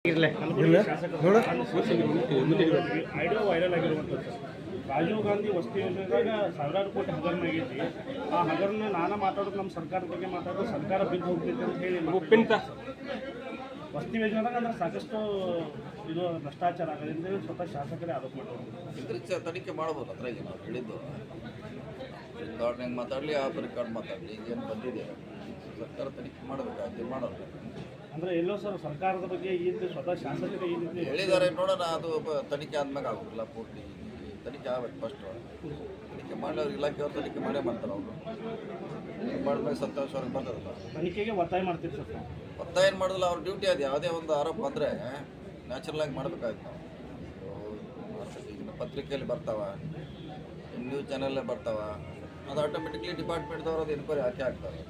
Audio viral ಆಗಿರುವಂಥದ್ದು ರಾಜೀವ್ ಗಾಂಧಿ ವಸತಿ ಯೋಜನೆದಾಗ ಸಾವಿರಾರು ಕೋಟಿ ಹಗರಣ ಆಗೈತಿ. ಆ ಹಗರಣ ನಾನು ಮಾತಾಡೋದು ನಮ್ಮ ಸರ್ಕಾರದ ಬಗ್ಗೆ ಮಾತಾಡೋದು ಸರ್ಕಾರ ಬಿದ್ದು ಹೋಗ್ತೈತೆ ಅಂತ ಹೇಳಿ ಒಪ್ಪಿಂತ ವಸತಿ ಯೋಜನೆದಾಗ ಅಂದ್ರೆ ಸಾಕಷ್ಟು ಇದು ಭ್ರಷ್ಟಾಚಾರ ಆಗೋದು ಅಂತ ಹೇಳಿ ಸ್ವತಃ ಶಾಸಕರೇ ಆರೋಪ ಮಾಡೋದು. ಇದ್ರ ತನಿಖೆ ಮಾಡ್ಬೋದು. ಅದ್ರಾಗ ನಾವು ಹೇಳಿದ್ದು ರೆಕಾರ್ಡ್ ಹೆಂಗೆ ಮಾತಾಡಲಿ ಆ ರೆಕಾರ್ಡ್ ಮಾತಾಡಲಿ ಏನು ಬಂದಿದೆ ಸರ್ಕಾರ ತನಿಖೆ ಮಾಡಬೇಕಾಗಿ ಮಾಡೋದು. ಅಂದರೆ ಎಲ್ಲೋ ಸರ್ ಸರ್ಕಾರದ ಬಗ್ಗೆ ಈ ರೀತಿ ಸ್ವತಃ ಶಾಸಕರೇ ಈ ರೀತಿ ಹೇಳಿದ್ದಾರೆ. ನೋಡೋಣ, ಅದು ತನಿಖೆ ಆದ್ಮೇಲೆ ಆಗೋದಿಲ್ಲ. ಪೂರ್ತಿ ತನಿಖೆ ಆಗ್ಬೇಕು. ಫಸ್ಟ್ ತನಿಖೆ ಮಾಡಿದವ್ರು ಇಲಾಖೆಯವ್ರು ತನಿಖೆ ಮಾಡೇ ಮಾಡ್ತಾರೆ. ಅವರು ಮಾಡಿದ್ಮೇಲೆ ಸತ್ಯಾಂಶವ್ರಿಗೆ ಬರ್ತದಲ್ಲ. ತನಿಖೆಗೆ ಒತ್ತಾಯ ಮಾಡ್ತೀವಿ ಸರ್. ಒತ್ತಾಯ ಏನು ಮಾಡೋದಿಲ್ಲ, ಅವ್ರ ಡ್ಯೂಟಿ ಅದು. ಯಾವುದೇ ಒಂದು ಆರೋಪ ಬಂದರೆ ನ್ಯಾಚುರಲ್ ಆಗಿ ಮಾಡಬೇಕಾಯ್ತು ನಾವು. ಈಗಿನ ಪತ್ರಿಕೆಯಲ್ಲಿ ಬರ್ತಾವ, ನ್ಯೂಸ್ ಚಾನಲ್ಲೇ ಬರ್ತಾವ, ಅದು ಆಟೋಮೆಟಿಕ್ಲಿ ಡಿಪಾರ್ಟ್ಮೆಂಟ್ದವ್ರು ಅದು ಎನ್ಕ್ವೈರಿ ಹಾಕಿ ಹಾಕ್ತಾರೆ.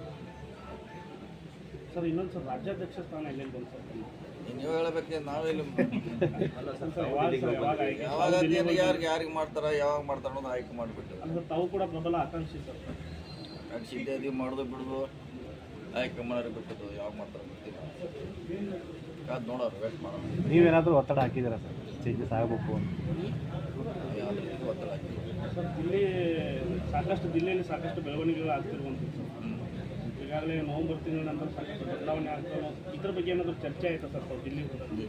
ಸರ್ ಇನ್ನೊಂದು ಸರ್ ರಾಜ್ಯಾಧ್ಯಕ್ಷ ಸ್ಥಾನ ಎಲ್ಲೆಲ್ಲಿ ಬಂತು ಸರ್? ನೀವು ಹೇಳಬೇಕೆ, ನಾವೆಲ್ಲಿ ಯಾವಾಗ ಯಾರಿಗೆ ಮಾಡ್ತಾರ ಯಾವಾಗ ಮಾಡ್ತಾರ ಅನ್ನೋದು ಆಯ್ಕೆ ಮಾಡಿಬಿಟ್ಟು ಅಂದ್ರೆ ತಾವು ಕೂಡ ಪ್ರಬಲ ಆಕಾಂಕ್ಷಿ ಸರ್. ಆಕಾಂಕ್ಷಿ ಇದೆ, ಮಾಡೋದು ಬಿಡೋದು ಆಯ್ಕೆ ಮಾಡೋರು ಬಿಟ್ಟದ್ದು ಯಾವಾಗ ಮಾಡ್ತಾರೆ ಗೊತ್ತಿಲ್ಲ. ಕಾದು ನೋಡೋರು, ವೇಟ್ ಮಾಡೋರು. ನೀವೇನಾದರೂ ಒತ್ತಡ ಹಾಕಿದ್ದೀರಾ ಸರ್ ಚೇಂಜಸ್ ಆಗಬೇಕು ಅಂತ? ಯಾವುದೇ ರೀತಿ ಒತ್ತಡ ಹಾಕಿಲ್ಲ ಸರ್. ದಿಲ್ಲಿಯಲ್ಲಿ ಸಾಕಷ್ಟು ಬೆಳವಣಿಗೆಗಳು ಆಗ್ತಿರುವಂಥದ್ದು ಸರ್. ಈಗಾಗಲೇ ನವೆಂಬರ್ ತಿಂಗಳ ನಂತರ ಸಾಕಷ್ಟು ಬದಲಾವಣೆ ಆಗ್ತಾವೆ. ಇದ್ರ ಬಗ್ಗೆ ಏನಾದರೂ ಚರ್ಚೆ ಆಯಿತಾ ಸರ್ ತಾವು ದಿಲ್ಲಿ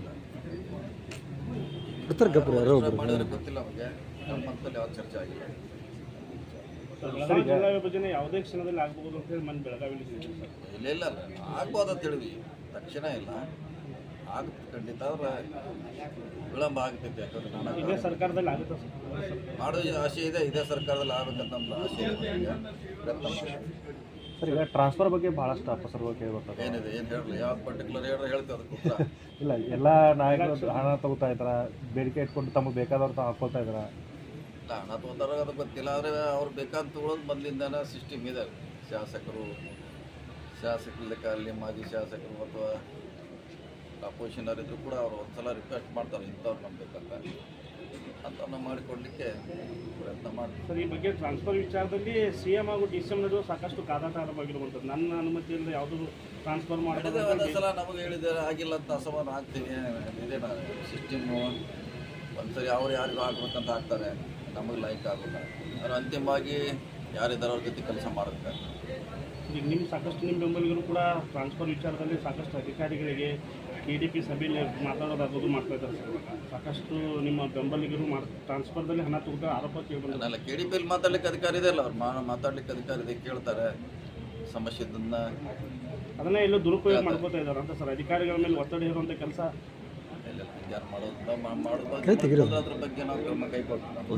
ಮಾಡಿದ್ರೆ ಗೊತ್ತಿಲ್ಲ ನಮಗೆ. ನಮ್ಮ ಮನದಲ್ಲಿ ಯಾವ ಚರ್ಚೆ ಆಗಿಲ್ಲ. ಬೆಳಗಾವಿ ಜಿಲ್ಲಾ ವಿಭಜನೆ ಯಾವುದೇ ಕ್ಷಣದಲ್ಲಿ ಆಗ್ಬೋದು ಅಂತ ಹೇಳಿ ಮನೆ ಬೆಳಗಾವಿಲಿ ಸರ್. ಇಲ್ಲ ಆಗ್ಬೋದು ಅಂತ ಹೇಳಿದ್ವಿ. ತಕ್ಷಣ ಇಲ್ಲ, ಆಗುತ್ತೆ ಖಂಡಿತ. ಆದ್ರೆ ವಿಳಂಬ ಆಗ್ತೈತೆ. ಯಾಕಂದ್ರೆ ಇದೇ ಸರ್ಕಾರದಲ್ಲಿ ಆಗುತ್ತೆ ಸರ್. ಮಾಡೋ ಆಸೆ ಇದೆ. ಇದೇ ಸರ್ಕಾರದಲ್ಲಿ ಆಗಬೇಕಂತ ನಮ್ದು ಆಸೆ ಇದೆ. ಪ್ರಯತ್ನ ಮಾಡಿ ಸರ್. ಈಗ ಟ್ರಾನ್ಸ್ಫರ್ ಬಗ್ಗೆ ಭಾಳಷ್ಟು ಅಪಸರ್ಗಳು ಕೇಳ್ಬರ್ತದೆ. ಏನಿದೆ ಏನು ಹೇಳಲಿ, ಯಾವ ಪರ್ಟಿಕ್ಯುಲರ್ ಹೇಳ್ತೀವಿ ಅದಕ್ಕೆ ಉತ್ತರ ಇಲ್ಲ, ಎಲ್ಲ ನಾಯಕರು ಹಣ ತಗೋತಾ ಇದ್ದಾರೆ, ಬೇಡಿಕೆ ಇಟ್ಕೊಂಡು ತಮಗೆ ಬೇಕಾದವ್ರು ತಾವು ಹಾಕ್ಕೊಳ್ತಾ ಇದ್ದಾರೆ. ಇಲ್ಲ, ಹಣ ತೊಗೊಂಡಾಗ ಅದು ಗೊತ್ತಿಲ್ಲ. ಆದರೆ ಅವ್ರು ಬೇಕಾದ ತೊಗೊಳೋದು ಮೊದಲಿಂದನೇ ಸಿಸ್ಟಮ್ ಇದೆ. ಶಾಸಕರು ಲೆಕ್ಕಲ್ಲಿ ಮಾಜಿ ಶಾಸಕರು ಅಥವಾ ಅಪೋಸಿಷನರ್ ಇದ್ರು ಕೂಡ ಅವರು ಒಂದ್ಸಲ ರಿಕ್ವೆಸ್ಟ್ ಮಾಡ್ತಾರೆ, ಇಂಥವ್ರು ನಮ್ಗೆ ಬೇಕಂತ ಅಂತ ಮಾಡಿಕೊಡ್ಲಿಕ್ಕೆ ಪ್ರಯತ್ನ ಮಾಡ್ತಾರೆ. ಸರ್, ಈ ಬಗ್ಗೆ ಟ್ರಾನ್ಸ್ಫರ್ ವಿಚಾರದಲ್ಲಿ CM ಹಾಗೂ DCM ನಡುವೆ ಸಾಕಷ್ಟು ಕಾದಾಟ ಆರಂಭವಾಗಿರುವಂಥದ್ದು. ನನ್ನ ಅನುಮತಿಯಿಂದ ಯಾವುದೂ ಟ್ರಾನ್ಸ್ಫರ್ ಮಾಡಿದ್ರೆ ಒಂದ್ಸಲ ನಮಗೆ ಹೇಳಿದ್ದಾರೆ, ಆಗಿಲ್ಲ ಅಂತ ಅಸಮಾನ ಆಗ್ತೀನಿ. ಇದೇ ಸಿಸ್ಟಮ್ಮು ಒಂದ್ಸರಿ ಅವ್ರು ಯಾರಿಗೂ ಆಗ್ಬೇಕಂತ ಆಗ್ತಾರೆ, ನಮಗೆ ಲೈಕ್ ಆಗೋಲ್ಲ. ಅವ್ರು ಅಂತಿಮವಾಗಿ ಯಾರಿದ್ದಾರೆ ಅವ್ರ ಜೊತೆ ಕೆಲಸ ಮಾಡಬೇಕು. ಈಗ ನಿಮ್ಮ ಬೆಂಬಲಿಗರು ಕೂಡ ಟ್ರಾನ್ಸ್ಫರ್ ವಿಚಾರದಲ್ಲಿ ಸಾಕಷ್ಟು ಅಧಿಕಾರಿಗಳಿಗೆ KDP ಸಭೆಯಲ್ಲಿ ಮಾತಾಡೋದಾಗೋದು ಮಾಡ್ತಾ ಇದ್ದಾರೆ ಸರ್. ಸಾಕಷ್ಟು ನಿಮ್ಮ ಬೆಂಬಲಿಗರು ಟ್ರಾನ್ಸ್ಫರ್ದಲ್ಲಿ ಹಣ ತಗೊಂಡು ಆರೋಪ ಕೇಳಿಬಂದಿಲ್ಲ. ಅಲ್ಲ, KDPಯಲ್ಲಿ ಮಾತಾಡ್ಲಿಕ್ಕೆ ಅಧಿಕಾರ ಇದೆ ಅಲ್ಲ, ಅವ್ರು ಮಾತಾಡ್ಲಿಕ್ಕೆ ಅಧಿಕಾರ ಇದೆ. ಕೇಳ್ತಾರೆ ಸಮಸ್ಯೆ ಇದನ್ನ, ಅದನ್ನೇ ಎಲ್ಲೋ ದುರುಪಯೋಗ ಮಾಡ್ಕೋತಾ ಇದ್ದಾರೆ ಅಂತ ಸರ್. ಅಧಿಕಾರಿಗಳ ಮೇಲೆ ಒತ್ತಡ ಇರುವಂಥ ಕೆಲಸ ಇಲ್ಲ. ಯಾರು ಮಾಡೋದ್ರ ಬಗ್ಗೆ ನಾವು ಕ್ರಮ ಕೈಗೊಳ್ತೀವಿ.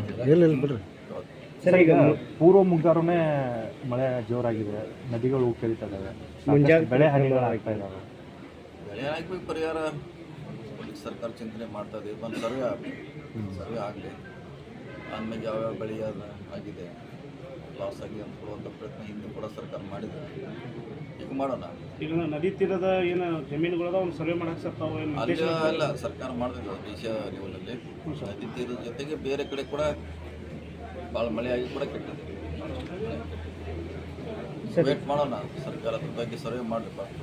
ಸರ್, ಈಗ ಪೂರ್ವ ಮುಂಗಾರುನೇ ಮಳೆ ಜೋರಾಗಿದೆ, ನದಿಗಳು ಉಕ್ಕರಿತಾ ಇದ್ದಾವೆ, ಬೆಳೆ ಹಾನಿಗಳು ಆಗ್ತಾ ಇದ್ದಾವೆ. ಬೆಳೆ ಆಗ್ಬೇಕು, ಪರಿಹಾರ ಸರ್ಕಾರ ಚಿಂತನೆ ಮಾಡ್ತಾ ಇದೆ. ಒಂದು ಸರ್ವೆ ಆಗಲಿ, ಆಮೇಲೆ ಯಾವ್ಯಾವ ಬೆಳೆ ಆಗಿದೆ, ಲಾಸ್ ಆಗಿದೆ ಅಂತ ಕೊಡುವಂಥ ಪ್ರಯತ್ನ ಹಿಂದೆ ಕೂಡ ಸರ್ಕಾರ ಮಾಡಿದೆ. ಈಗ ಮಾಡೋಣ. ಈಗ ನದಿ ತೀರದ ಏನು ಜಮೀನುಗಳದ ಒಂದು ಸರ್ವೆ ಮಾಡಕ್ಕೆ ಸರ್ ತಾವು ಅಲ್ಲ, ಸರ್ಕಾರ ಮಾಡಿದ್ವಿ ದೇಶ ಲೆವೆಲಲ್ಲಿ. ನದಿ ತೀರದ ಜೊತೆಗೆ ಬೇರೆ ಕಡೆ ಕೂಡ ಭಾಳ ಮಳೆಯಾಗಿ ಕೂಡ ಕೆಟ್ಟಿದೆ. ವೇಟ್ ಮಾಡೋಣ, ಸರ್ಕಾರ ಅದ್ರ ಬಗ್ಗೆ ಸರ್ವೆ ಮಾಡಬೇಕು.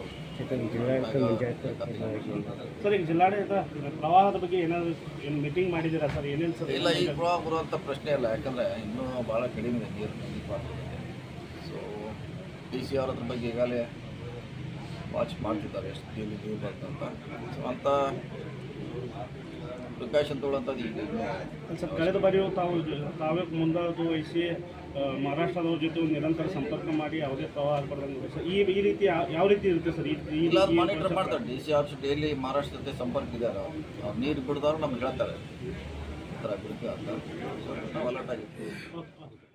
ಸರ್, ಈಗ ಜಿಲ್ಲಾಡಳಿತ ಪ್ರವಾಹದ ಬಗ್ಗೆ ಏನಾದರೂ ಮೀಟಿಂಗ್ ಮಾಡಿದ್ದೀರಾ ಸರ್? ಏನೇನು ಸರ್? ಇಲ್ಲ, ಈ ಪ್ರವಾಹ ಬರುವಂಥ ಪ್ರಶ್ನೆ ಇಲ್ಲ. ಯಾಕಂದರೆ ಇನ್ನೂ ಭಾಳ ಕಡಿಮೆ ಇದೆ ನೀರು. ಸೊ DC ಅವ್ರ ಅದ್ರ ಬಗ್ಗೆ ಈಗಾಗಲೇ ವಾಚ್ ಮಾಡ್ತಿದ್ದಾರೆ, ಎಷ್ಟು ನೀರು ಬರ್ತಂತ. ಸೊ ಅಂಥ ಪ್ರಿಕಾಷನ್ ತೊಗೊಳ್ಳೋಂಥದ್ದು ಈಗ. ಸರ್, ಕಳೆದ ಬಾರಿಯೂ ತಾವೇ ಮುಂದಾಳು ವಹಿಸಿ ಮಹಾರಾಷ್ಟ್ರದವ್ರ ಜೊತೆ ಒಂದು ನಿರಂತರ ಸಂಪರ್ಕ ಮಾಡಿ ಯಾವುದೇ ಪ್ರವಾಹ ಆಗ್ಬಾರ್ದಂಗೆ ಸರ್. ಈ ರೀತಿ ಯಾವ ರೀತಿ ಇರುತ್ತೆ ಸರ್? ಇಲ್ಲ, ಮಾನಿಟರ್ ಮಾಡ್ತಾರೆ. DC ಆಫೀಸ್ ಡೈಲಿ ಮಹಾರಾಷ್ಟ್ರ ಜೊತೆ ಸಂಪರ್ಕ ಇದ್ದಾರೆ. ಅವ್ರು ನೀರು ಬಿಡಿದವ್ರು ನಮ್ಗೆ ಹೇಳ್ತಾರೆ ಈ ಥರ ಬಿಡುತ್ತೆ ಅಂತ. ಸೊ ನಾವು ಅಲರ್ಟ್ ಆಗಿರ್ತೀವಿ.